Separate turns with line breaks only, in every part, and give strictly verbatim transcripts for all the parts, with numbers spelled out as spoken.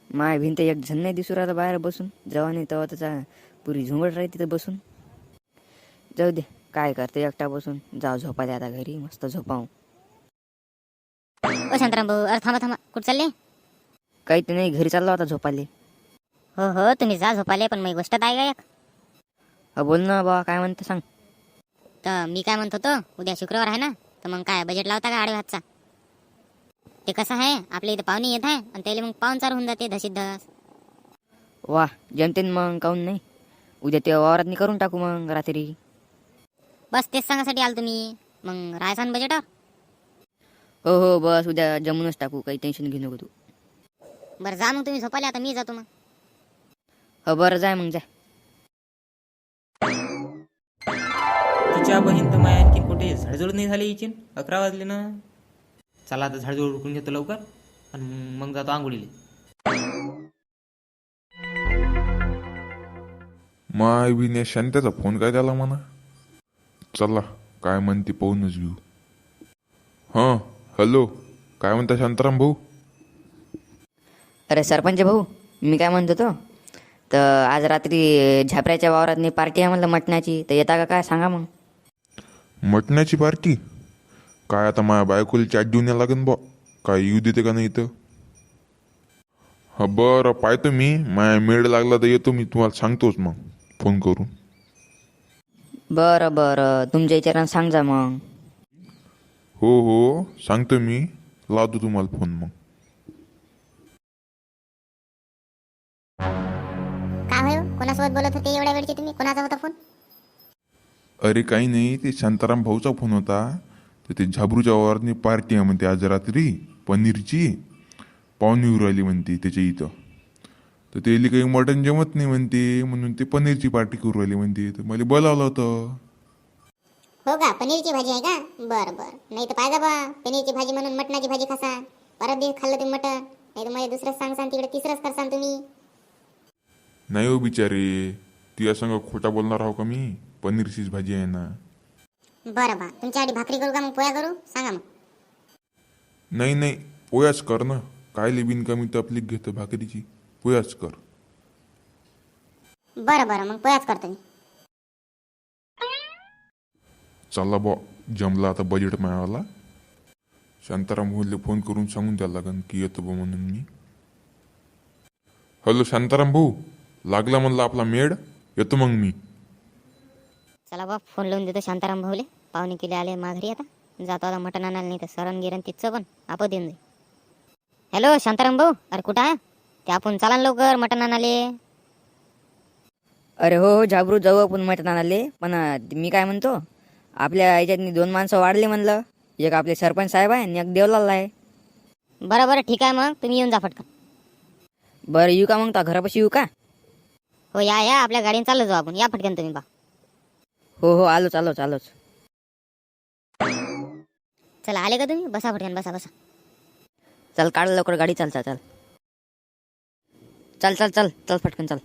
माय भिंत एक झन नाही दिसू राहिला बाहेर बसून. जेव्हा नाही तेव्हा त्याचा पुरी झुंबड राहते तिथं बसून. जाऊ दे, काय करते एकटा बसून. जाऊ झोपाले आता घरी, मस्त झोपाव.
ओ शांताराम भाऊ, अरे थांबा थांबा, कुठं चालले?
काही ते नाही, घरी चाललो आता झोपाले.
हो हो, तुम्ही जा झोपाले, पण मग गोष्ट आहे का एक?
हा बोल ना बा, काय म्हणते सांग.
तर मी काय म्हणत होतो, उद्या शुक्रवार आहे ना, तर मग काय बजेट लावता का आडे भातचा? ते कसं आहे, आपल्या इथं पाहुणे येत आहे आणि त्याला मग पाहुणचार होऊन जाते धशीत धस.
वा, जमतेन मग, काहून नाही. उद्या ते वावरातनी करून टाकू मग रात्री.
बस तेच सांगासाठी आलो तुम्ही. मग राहायचा ना बजेटवर?
हो हो, बस उद्या जमूनच टाकू, काही टेन्शन घेऊ नको तू.
बरं जा मग तुम्ही झोपाले, आता मी जातो मग.
हो बरं, जाय मग जाय.
तिच्या बहीण तर माया आणखी कुठे झाडझुड नाही झाली हिची. अकरा वाजले ना. चला आता झाडझुड उरकून घेतो लवकर आणि मग जातो आंघोळीला.
माय बी शांत्याचा फोन काय त्याला म्हणा. चला काय म्हणते पाहूनच घेऊ. हां हॅलो, काय म्हणता शांताराम भाऊ?
अरे सरपंच भाऊ, मी काय म्हणतो तो, तर आज रात्री झापऱ्याच्या वावरातनी पार्टी आहे म्हणलं मटणाची, तर येता का काय सांगा मग.
मटण्याची पार्टी? काय आता माझ्या बायकोला चाट देऊन या लागेल बा, काय येऊ देते का नाही इथं. हा बरं, पाहतो मी, माया मेळ लागला तर येतो मी, तुम्हाला सांगतोच मग फोन करून.
बरं बरं, तुमच्या विचारानं सांग जा मग.
हो हो सांगतो मी, लावतो तुम्हाला फोन मग.
काय होय, कोणासोबत बोलत होते एवढ्या वेळचे तुम्ही? कोणाचा होता फोन?
अरे काही नाही, ते शांताराम भाऊचा फोन होता. तर ते झाबरूच्या वावरातनी पार्टी आहे म्हणते आज रात्री, पनीरची. पाहुणे येऊ राहिली म्हणते त्याच्या इथं. तर त्याला काही मटण जमत नाही म्हणते, म्हणून ते पनीरची पार्टी करू राहिली म्हणते. तर मला बोलावलं होतं.
हो का, पनीरची भाजी आहे का? बरं बरं, नाही तर पाहिजे बा, पनीरची भाजी म्हणून मटणाची भाजी खासा. परत दिवस खाल्लं तुम्ही मटण, नाही तर मला दुसरंच सांगसान, तिकडे तिसरंच करसान तुम्ही.
नाही हो बिचारे, तुझ्या संग खोटा बोलणार आहो का मी? पनीरचीच भाजी आहे ना.
बरं बा, तुमच्यासाठी भाकरी करू का मग पोया करू? सांगा मग.
नाही नाही, पोयाच कर ना. काय लिबिन कमी तपलीक घेतो भाकरीची, पोयाच कर.
बरं बरं, मग पोयाच करतो मी.
चला बा, जमला आता बजेट मिळाला. शांताराम भाऊला फोन करून सांगून द्यायला लागन की येतो बा म्हणून मी. हॅलो शांताराम भाऊ, लागला म्हणला आपला मेड, येतो मग मी.
चला बा, फोन लावून देतो शांताराम भाऊले. पाहुणे केले आले माघारी, आता जातो आता मटण आणायला, नाही तर सरण गिरण तिथचं पण आपण देऊन जाईल. हॅलो शांताराम भाऊ, अरे कुठं आहे ते? आपण चला ना लवकर मटण आणाले.
अरे हो हो, झाबरू जाऊ आपण मटण आणाले. पण अं, मी काय म्हणतो, आपल्या याच्यातनी दोन माणसं वाढले म्हणलं. एक आपले सरपंच साहेब आहे आणि एक देवलाल आहे.
बरं बरं, ठीक आहे, मग तुम्ही येऊन जा फटकन.
बरं येऊ का मग, तो घरापाशी येऊ का?
हो या या, आपल्या गाडीने चाललो जाऊ आपण. या फटकन तुम्ही बा.
हो हो, आलोच आलोच आलोच.
चला आले का तुम्ही? बसा फटकन, बसा बसा.
चल काढ लवकर गाडी, चाल चाल चाल चल चल चल चल फटकन चल.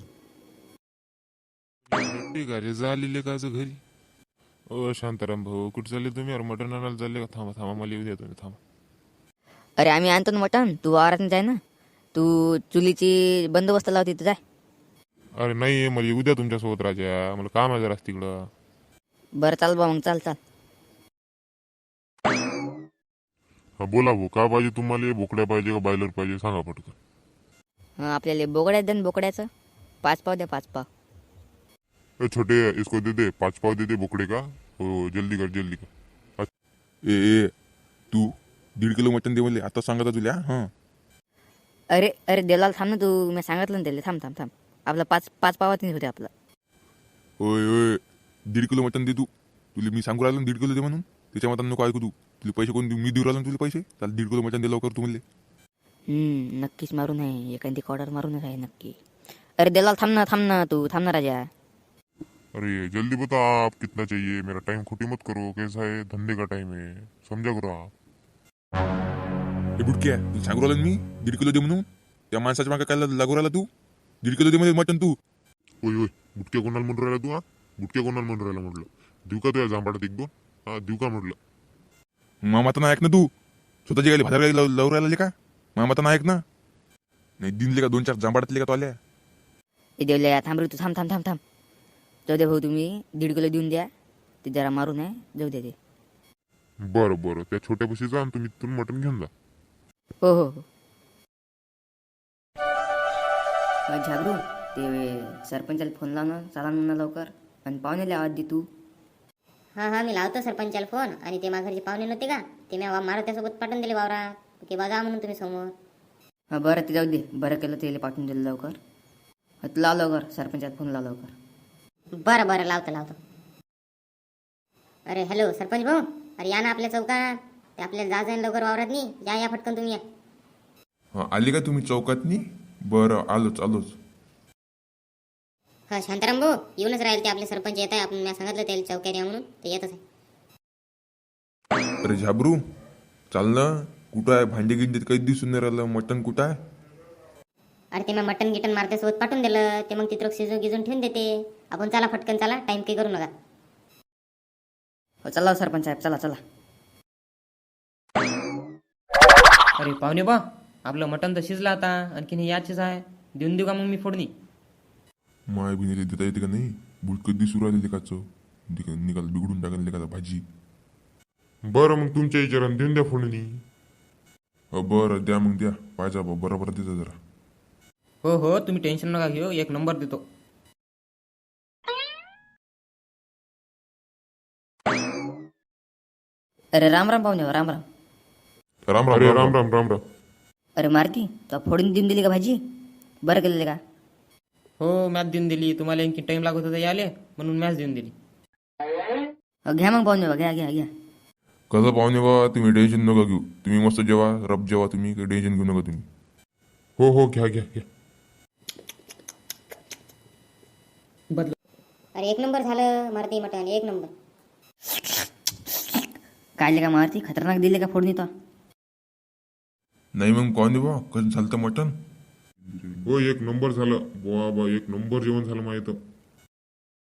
घरी झालेले का घरी? ओ शांताराम भाऊ, कुठे चालले तुम्ही? अरे मटण आणायला चालले का? थांबा थांबा, मला येऊ द्या तुम्ही, थांबा.
अरे आम्ही आणतो ना मटण, तू वावरात जाय ना. तू चुलीची बंदोबस्त लाव तिथं, जाय.
अरे नाही, मला येऊ द्या तुमच्यासोबत राजा, मला काम आहे जरा तिकडं.
बरं चाल बा मग, चाल चाल.
हा बोला भाऊ, का पाहिजे तुम्हाला? बोकड्या पाहिजे का बॉयलर पाहिजे, सांगा पटकन.
हं, आपल्याला बोकड्या द्या ना, बोकड्याचं पाच पाव द्या, पाच पाव.
ए छोटे, इसको दे दे, पाच पाव दे दे बोकड़े का. हो जल्दी कर जल्दी कर. ए ए तू दीड किलो मटन दे म्हणले, आता सांगता तुला. हां
अरे अरे देवलाल थांब ना तू, मी सांगितलं ना त्याला, थांब थांब थांब. आपला पाच पाच पावात होते आपला.
होय होय, दीड किलो मटन दे तू. तुला मी सांगू राहिलो ना दीड किलो दे म्हणून, त्याच्या मतानं नको ऐकू तू. तुला पैसे कोण देऊ? मी देऊ राहिलो ना तुला पैसे. चाल दीड किलो मटन दे लवकर तू म्हणले.
हम्म, नक्कीच मारून आहे, एखादी ऑर्डर मारूनच आहे नक्की. अरे देवलाल थांब ना, थांब ना तू, थांब ना राजा.
अरे जल्दी बता आप कितना चाहिए, मेरा टाइम खोटी मत करो, कैसा है धंधे का टाइम है, समझा करो आप. हे बुटक्या, तू सांगू राहिलो ना मी दीड किलो दे म्हणून. त्या माणसाच्या मागे काय लागू राहिला तू? दीड किलो दे मध्ये मटन तू. होय होय, बुटक्या कोणाला म्हणून राहिला तू? हा बुटक्या कोणाला म्हणून राहिला म्हटलं? देऊ का तुझ्या जांभाडात एक दोन? हा देऊ का म्हटलं? मामाता ना ऐक ना तू, स्वतःची गाडी भाजार गाडी लावू राहिला का? मामाता ना ऐक ना. नाही दिनले का दोन चार जांभाडातले का तो आल्या
हे देवल्या थांब रे तू थांब थांब थांब थांब जाऊ दे भाऊ तुम्ही दीड किलो देऊन द्या ते जरा मारून आहे जाऊ दे ते
बरं बरं त्या छोट्या बशी जा आणि तुम्ही तिथून मटण घेऊन जा.
हो हो हो मग झाबरू ते सरपंचाला फोन लावणं चाला ना लवकर आणि पाहुण्याला आवाज दे तू.
हां हां मी लावतो सरपंचाला फोन. आणि ते माझ्या घरचे पाहुणे नव्हते का ते मी मारुत्यासोबत पाठवून दिले वावरा की बघा म्हणून तुम्ही समोर.
हां बरं ते जाऊ दे बरं केलं ते पाठवून दिलं लवकर. हा, तू लाव लवकर सरपंचाला फोन लाव लवकर.
बरं बरं लावतो लावतो. अरे हॅलो सरपंच भाऊ, अरे या ना आपल्या चौकात. ते आपल्याला जा जाईन लवकर वावरात नाही. या या फटकन तुम्ही या.
हा आले का तुम्ही चौकातनी? बरं आलोच आलोच.
हा शांताराम भाऊ येऊनच राहील ते आपले सरपंच येत आहे. आपण मी सांगितलं त्याला चौक्यात या म्हणून ते येतच आहे.
अरे झाबरू चाल ना. कुठं आहे भांडे गिंडे काही दिसून नाही राहिलं. मटण कुठं आहे?
अरे ते मी मटन गिटन मारत्यासोबत पाठवून दिलं. ते मग तिथं शिजून गिजून ठेवून देते. आपण चला फटकन चला टाइम काही करू नका.
हो चला हो सरपंच साहेब चला चला.
अरे पाहुणे बा आपलं मटण तर शिजलं आता. आणखीन हे याचेच आहे. देऊन देऊ का मग मी फोडणी?
माय बिनीले देता येते का नाही? बुडकं दिसू राहिले लेखाचं. निकाल बिघडून टाकेल लेखाचा भाजी. बरं मग तुमच्या विचारानं देऊन द्या फोडणी. हो बरं द्या मग द्या. पाहिजे बा बरोबर देता जरा.
हो हो तुम्ही टेन्शन नका घेऊ. एक नंबर देतो.
अरे राम राम पाहुणे राम राम.
राम राम राम राम राम राम.
अरे मारती तो फोडून देऊन दिली का भाजी? बरं केलेलं का?
हो मॅच देऊन दिली. तुम्हाला आणखी टाइम लागत होता याले म्हणून मॅच देऊन दिली.
हो, घ्या मग पाहुणे बा घ्या घ्या घ्या.
कसं पाहुणे बा तुम्ही टेन्शन नका घेऊ. तुम्ही मस्त जेवा रब जेवा. तुम्ही काही टेन्शन घेऊ नका तुम्ही. हो हो घ्या घ्या घ्या.
अरे एक नंबर झालं मारती मटन एक नंबर.
काढले का मारती? खतरनाक दिले का फोडणी तो?
नाही मग कोण बा कसं झालं तर मटण? हो एक नंबर झालं. बुवा बा एक नंबर जेवण झालं माहित.